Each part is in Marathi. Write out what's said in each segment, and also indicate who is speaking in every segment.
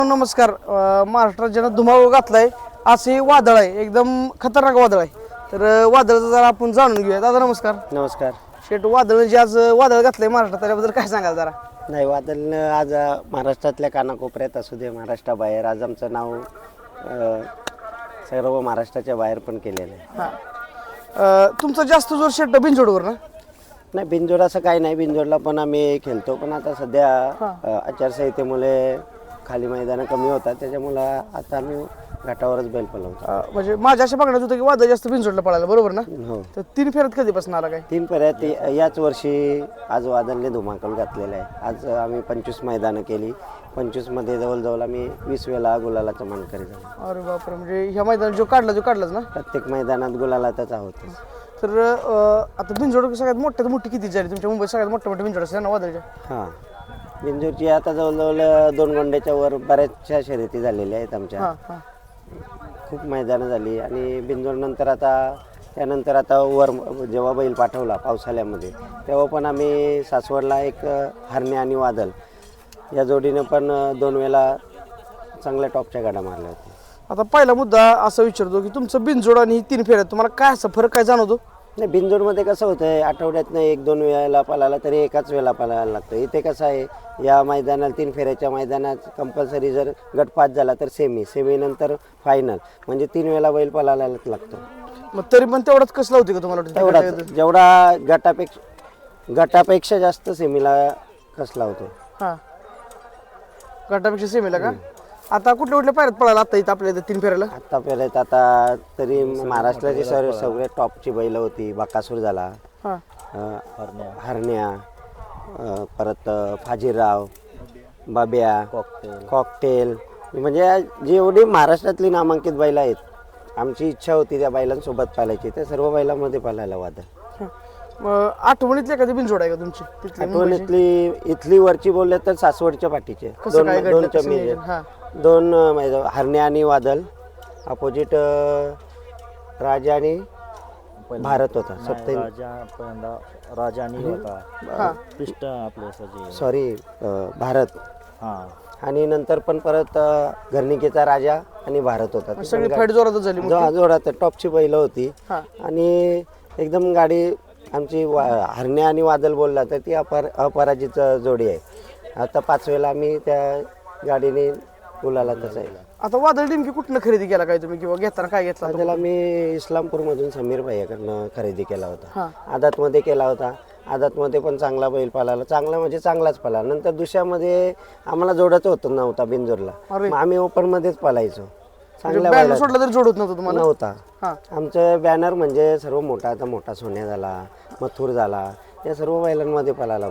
Speaker 1: नमस्कार. महाराष्ट्रात ज्यानं धुमाकूळ घातलाय असे वादळ आहे, एकदम खतरनाक वादळ आहे. तर वादळाचं जरा आपण जाणून घेऊया. दादा नमस्कार.
Speaker 2: नमस्कार.
Speaker 1: शेट, वादळ जे आज वादळ घातलंय महाराष्ट्रात त्याच्याबद्दल काय सांगाल जरा?
Speaker 2: नाही, वादळनं आज महाराष्ट्रातल्या कानाकोपऱ्यात असू दे, महाराष्ट्राबाहेर आज आमचं नाव सर्व महाराष्ट्राच्या बाहेर पण केलेलं आहे.
Speaker 1: तुमचा जास्त जोर शेट बिनजोडवर ना?
Speaker 2: नाही, बिनजोड असं काही नाही. बिनजोडला पण आम्ही खेळतो, पण आता सध्या आचारसंहितेमुळे खाली मैदानं कमी होतात, त्याच्यामुळं आता आम्ही घाटावरच बैल पळवतो.
Speaker 1: म्हणजे माझ्या अशा बघण्यात होतं की वादळ जास्त बिनजोडला पळायला, बरोबर ना?
Speaker 2: हो.
Speaker 1: तर 3 फेऱ्यात कधीपासून आला काय?
Speaker 2: 3 फेऱ्यात याच वर्षी आज वादळने धुमाकूळ घातलेला आहे. आज आम्ही 25 मैदानं केली. 25मध्ये जवळजवळ आम्ही 20 वेळा गुलालाचा मानकरी झालो.
Speaker 1: अरे बापरे, म्हणजे ह्या मैदानात जो काढलाच ना?
Speaker 2: प्रत्येक मैदानात गुलालातच आहोत.
Speaker 1: तर आता बिनजोड सगळ्यात मोठी किती झाली तुमच्या मुंबईत? सगळ्यात मोठे बिनजोड असते ना वादळच्या?
Speaker 2: हां, बिंजोरची आता जवळजवळ 2 गोंड्याच्या वर बऱ्याचशा शर्यती झालेल्या आहेत आमच्या. खूप मैदानं झाली. आणि बिंजोर नंतर त्यानंतर आता वर जेव्हा बैल पाठवला पावसाळ्यामध्ये, तेव्हा पण आम्ही सासवडला एक हरणे आणि वादळ या जोडीनं पण 2 वेळा चांगल्या टॉपच्या गाड्या मारल्या होत्या.
Speaker 1: आता पहिला मुद्दा असा विचारतो की तुमचं बिनजोड आणि 3 फेऱ्यात तुम्हाला काय असं फरक काय जाणवतो?
Speaker 2: नाही, बिनजोडमध्ये कसं होतं, आठवड्यातनं 1-2 वेळेला पळाला तरी एकाच वेळेला पळायला लागतं. इथे कसं आहे, या मैदानात 3 फेऱ्याच्या मैदानात कंपल्सरी जर गट पास झाला तर सेमी नंतर फायनल, म्हणजे 3 वेळेला बैल पळायलाच लागतो.
Speaker 1: मग तरी पण तेवढंच कसं लावते का तुम्हाला?
Speaker 2: तेवढाच, जेवढा गटापेक्षा जास्त सेमीला कसला होतो.
Speaker 1: हां, गटापेक्षा सेमीला का? आता कुठल्या पायऱ्यात पळाला आता इथं आपल्या इथं 3 फेऱ्याला?
Speaker 2: आता फेऱ्यात आता तरी महाराष्ट्राची सगळे टॉपची बैल होती. बकासूर झाला, हरण्या, परत फाजीराव, बाब्या, कॉकटेल, म्हणजे जेवढी महाराष्ट्रातली नामांकित बैल आहेत, आमची इच्छा होती त्या बैलांसोबत पालायची. त्या सर्व बैलांमध्ये पालायला वादळ.
Speaker 1: आठवणीतली एखादी बिनजोड आहे का तुमची?
Speaker 2: इथली वरची बोलले तर सासवडच्या पाठीचे दोन हरण्या आणि वादळ, अपोजिट राजा आणि भारत होता.
Speaker 3: राजा आणि होता पिष्ट आपले
Speaker 2: सॉरी भारत. आणि नंतर पण परत घरणिकेचा राजा आणि भारत होता.
Speaker 1: सगळी फाईट जोरातच झाली,
Speaker 2: जोरात टॉपची बैल होती. आणि एकदम गाडी आमची हरण्या आणि वादळ बोलला तर ती अपराजित जोडी आहे. आता 5 वेळेला आम्ही त्या गाडीने गुलाला तसं आहे.
Speaker 1: आता वादळ नेमकी कुठनं खरेदी केला काय तुम्ही, किंवा घेताना काय घेतला?
Speaker 2: त्याला मी इस्लामपूरमधून समीर भाईकडनं खरेदी केला होता. आदातमध्ये केला होता. आदातमध्ये पण चांगला बैल पळाला, चांगला म्हणजे चांगलाच पळाला. नंतर दुसऱ्यामध्ये आम्हाला जोडायचं होतं नव्हता बिनजोडला, मग आम्ही ओपनमध्येच पळायचो. चांगल्या बैल
Speaker 1: सोडला तरी जोडत नव्हतं तुम्हाला?
Speaker 2: नव्हता. आमचं बॅनर म्हणजे सर्व मोठा, आता मोठा सोन्या झाला, मथुर झाला, या सर्व बैलांमध्ये पळाला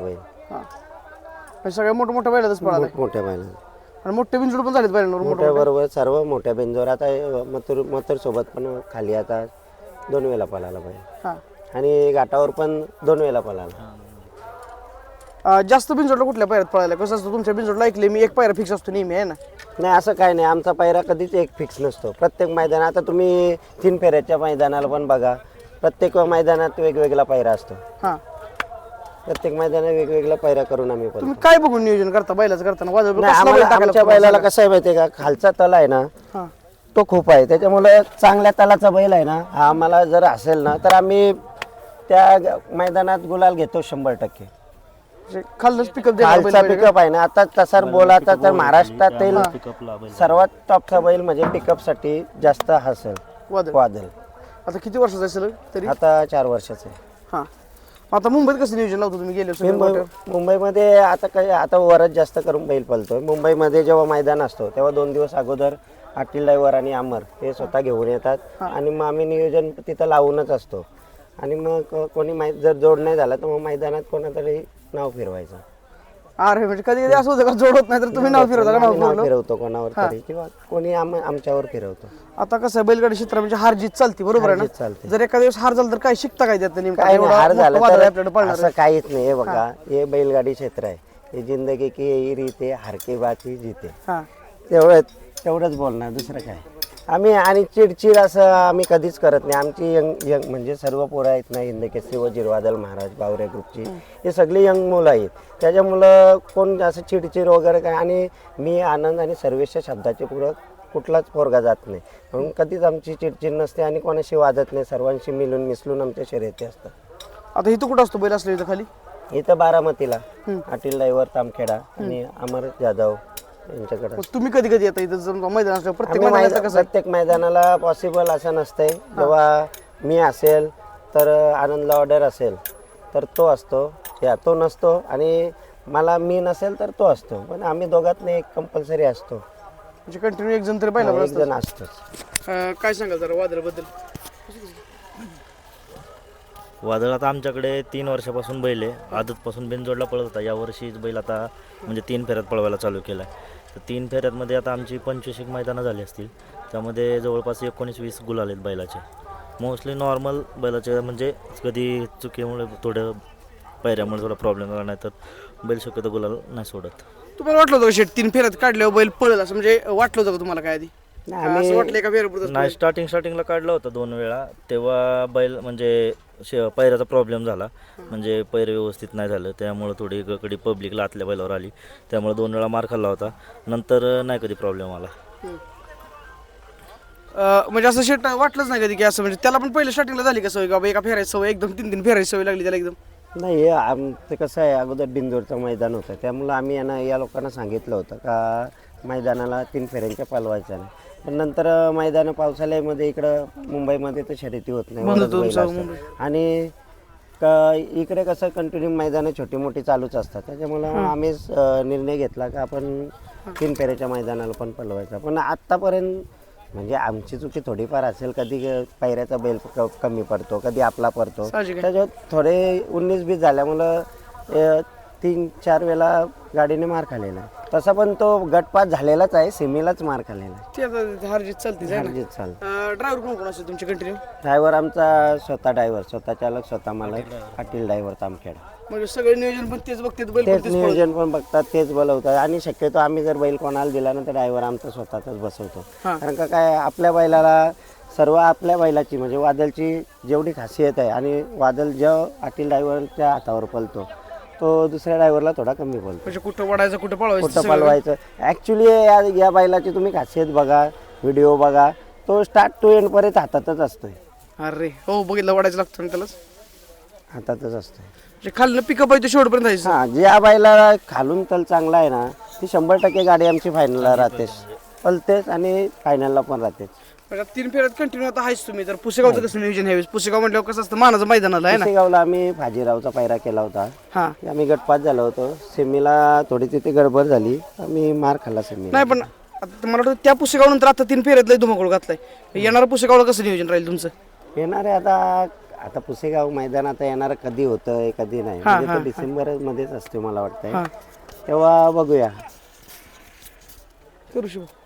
Speaker 2: बैल.
Speaker 1: सगळ्या मोठ्या बैलातच पळाला?
Speaker 2: मोठ्या बैला
Speaker 1: आणि मोठे बिनजोड पण झालेत बैलांवर?
Speaker 2: मोठ्या बरोबर सर्व मोठ्या बिनजोड. आता मथुर सोबत पण खाली आता 2 वेळेला पळाला बैल. आणि घाटावर पण 2 वेळेला पळाला.
Speaker 1: जास्त बिनजोडला कुठल्या पायऱ्यात पळायला? कसं असतं तुमच्या बिनजोडला? ऐकले मी एक पायरा फिक्स असतो नेहमी, आहे ना?
Speaker 2: नाही, असं काही नाही. आमचा पायरा कधीच एक फिक्स नसतो. प्रत्येक मैदान, आता तुम्ही 3 फेऱ्याच्या मैदानाला पण बघा, प्रत्येक मैदानात वेगवेगळा पायरा असतो. प्रत्येक मैदानात वेगवेगळा पायरा करून आम्ही
Speaker 1: तुम्ही काय बघून नियोजन करता बैलाचं करताना?
Speaker 2: आमच्या बैलाला कसं आहे माहितीये का, खालचा तल आहे ना तो खूप आहे, त्याच्यामुळे चांगल्या तलाचा बैल आहे ना, हा आम्हाला जर असेल ना तर आम्ही त्या मैदानात गुलाल घेतो 100%.
Speaker 1: खालच पिकअप
Speaker 2: खालचा पिकअप आहे ना. आता तसा बोलाचा तर महाराष्ट्रातील सर्वात टॉपचा बैल म्हणजे पिकअप साठी जास्त असेल वादळ.
Speaker 1: आता किती वर्षाचा असेल तरी?
Speaker 2: आता 4 वर्षाचं आहे.
Speaker 1: आता मुंबईत कसं नियोजन लावतो तुम्ही? गेले
Speaker 2: मुंबईमध्ये आता वरच जास्त करून बैल पळतोय. मुंबईमध्ये जेव्हा मैदान असतो तेव्हा 2 दिवस अगोदर आटील ड्रायव्हर आणि अमर हे स्वतः घेऊन येतात आणि मग आम्ही नियोजन तिथं लावूनच असतो. आणि मग कोणी जर जोड नाही झाला तर मग मैदानात कोणातरी नाव फिरवायचं.
Speaker 1: अरे म्हणजे कधी असं होतं का जोड होत नाही तर तुम्ही नाव फिरवता?
Speaker 2: नाव फिरवतो कोणावर तरी, किंवा कोणी आमच्यावर फिरवतो.
Speaker 1: आता कसं बैलगाडी क्षेत्र म्हणजे हार जीत चालते, बरोबर आहे ना? जर एका दिवस हार झाला तर काय शिकता काय त्यात?
Speaker 2: हार झाला असं काहीच नाही. हे बघा, हे बैलगाडी क्षेत्र आहे, हे जिंदगी की यही रीत है, हार के बाद ही जीते. तेवढंच बोलणार, दुसरं काय. आम्ही आणि चिडचिड असं आम्ही कधीच करत नाही. आमची यंग यंग म्हणजे सर्व पोरं आहेत ना, हिंदकेसरी व जिरवादल महाराज बावरे ग्रुपची, हे सगळी यंग मुलं आहेत. त्याच्यामुळं कोण असं चिडचिड वगैरे काय, आणि मी आनंद आणि सर्वेच्या शब्दाचे पुढं कुठलाच पोरगा जात नाही, म्हणून कधीच आमची चिडचिड नसते आणि कोणाशी वादत नाही. सर्वांशी मिळून मिसळून आमच्या शर्यती असतात.
Speaker 1: आता इथं कुठं असतो बैल असलं इथं खाली?
Speaker 2: इथं बारामतीला अटील ड्रायव्हर तामखेडा आणि अमर जाधव यांच्याकडे.
Speaker 1: मग तुम्ही कधी कधी येता इथं जर मैदान असलं? प्रत्येक
Speaker 2: आम्ही
Speaker 1: मैदानाचं कसं आहे?
Speaker 2: प्रत्येक मैदानाला पॉसिबल असं नसतंय. जेव्हा मी असेल तर आनंदला ऑर्डर असेल तर तो असतो, या तो नसतो, आणि मला मी नसेल तर तो असतो. पण आम्ही दोघात एक कंपल्सरी असतो,
Speaker 1: म्हणजे कंटिन्यू एक जण तरी बैला
Speaker 2: एक जण असतोच.
Speaker 1: काय सांगाल जरा वादळाबद्दल?
Speaker 3: वादळ आता आमच्याकडे 3 वर्षापासून बैल आहे. आदतपासून बिनजोडला पळत होता. यावर्षीच बैल आता म्हणजे 3 फेऱ्यात पळवायला चालू केला आहे. तर 3 फेऱ्यातमध्ये आता आमची 25 मैदानं झाली असतील. त्यामध्ये जवळपास 19-20 गुलाल आहेत बैलाचे. मोस्टली नॉर्मल बैलाचे, म्हणजे कधी चुकीमुळे थोडं पायऱ्यामुळे थोडा प्रॉब्लेम झाला, नाही तर बैल शक्यतो गुलाल नाही सोडत.
Speaker 1: तुम्हाला वाटलं होतं का शेट 3 फेऱ्यात काढल्यावर बैल पळेल असं? म्हणजे वाटलं होतं का तुम्हाला काय आधी? असं वाटलंय का फेऱ्यापुरतं?
Speaker 3: नाही, स्टार्टिंगला काढलं होतं 2 वेळा. तेव्हा बैल म्हणजे पैऱ्याचा प्रॉब्लेम झाला, म्हणजे पैर व्यवस्थित नाही झालं, त्यामुळे थोडी कधी पब्लिकला आतल्या बैलावर आली, त्यामुळे 2 वेळा मार खाल्ला होता. नंतर नाही कधी प्रॉब्लेम आला.
Speaker 1: म्हणजे असं शेट वाटलंच नाही कधी की असं, म्हणजे त्याला पण पहिलं स्टार्टिंगला झाली का सवय का एका फेरायची सवय, एकदम 3 फेरायची सवय लागली त्याला एकदम?
Speaker 2: नाही, आमचं कसं आहे, अगोदर बिंदूरचं मैदान होतं, त्यामुळं आम्ही या लोकांना सांगितलं होतं का मैदानाला 3 फेऱ्यांच्या पळवायचं नाही. पण नंतर मैदान पावसाळ्यामध्ये इकडं मुंबईमध्ये तर शर्यती होत नाही, वरच बैल असतात. आणि इकडे कसं कंटिन्यू मैदानं छोटी मोठी चालूच असतात. त्याच्यामुळं आम्ही निर्णय घेतला का आपण 3 फेऱ्याच्या मैदानाला पण पळवायचं. पण आत्तापर्यंत म्हणजे आमची चुकी थोडीफार असेल, कधी पायऱ्याचा बैल कमी पडतो, कधी आपला पडतो. त्याच्यात थोडे 19-20 झाल्यामुळं 3-4 वेळा गाडीने मार खाल्लेला. तसा पण तो गटपात झालेलाच आहे, सेमीलाच मार खाल्लेला आहे.
Speaker 1: ते आता हारजीत चालते. ड्रायव्हर कोण कोण असतो तुमचे कंटिन्यू?
Speaker 2: ड्रायव्हर आमचा स्वतः ड्रायव्हर, स्वतः चालक, स्वतः मालक, अटील ड्रायव्हर तामखेडा.
Speaker 1: म्हणजे सगळे नियोजन पण तेच बघतात, बैल पण
Speaker 2: तेच
Speaker 1: तेच
Speaker 2: नियोजन पण बघतात, तेच बोलवतात. आणि शक्यतो आम्ही जर बैल कोणाला दिला ना तर ड्रायव्हर आमचा स्वतःचाच बसवतो. कारण का काय, आपल्या बैलाला सर्व आपल्या बैलाची म्हणजे वादलची जेवढी खासियत आहे, आणि वादल जेव्हा अटील ड्रायव्हरच्या हातावर पळतो तो दुसऱ्या ड्रायव्हरला थोडा कमी बोलतो.
Speaker 1: म्हणजे कुठं वाढायचं कुठं पळवायचं
Speaker 2: कुठं पळवायचं. ॲक्च्युली या बैलाची तुम्ही खासियत बघा, व्हिडिओ बघा, तो स्टार्ट टू एंड पर्यंत हातातच असतोय.
Speaker 1: अरे हो, बघितलं वाढायचं लागतं ना त्यालाच,
Speaker 2: हातातच असतोय.
Speaker 1: म्हणजे खाल्लं पिकअप आहे ते शेवटपर्यंत जायचं.
Speaker 2: हां, ज्या बैलाला खालून तल चांगला आहे ना, ती 100% गाडी आमची फायनलला राहतेच, पळतेच आणि फायनलला पण राहतेच.
Speaker 1: म्हणजे 3 फेऱ्यात कंटिन्यू आता आहेच तुम्ही. तर पुसेगावचं कसं नियोजन ह्यावेळेस? पुसेगाव म्हटल्यावर कसं असतं, मानाचं मैदानाला आहे ना.
Speaker 2: पुसेगावला आम्ही फाजीरावचा पायरा केला होता.
Speaker 1: हां,
Speaker 2: आम्ही गटपात झालो होतो. सेमीला थोडी तिथे गडबड झाली, आम्ही मार खाल्ला सेमी.
Speaker 1: नाही पण आता मला वाटतं त्या पुसेगाव नंतर आता 3 फेऱ्यातलं धुमाकूळ घातलाय. येणारा पुसेगावला कसं नियोजन राहील तुमचं?
Speaker 2: येणार आहे आता पुसेगाव मैदान आता येणार कधी होतंय कधी नाही, म्हणजे तो डिसेंबर मध्येच असते मला वाटतंय. तेव्हा बघूया.
Speaker 1: करू शकू.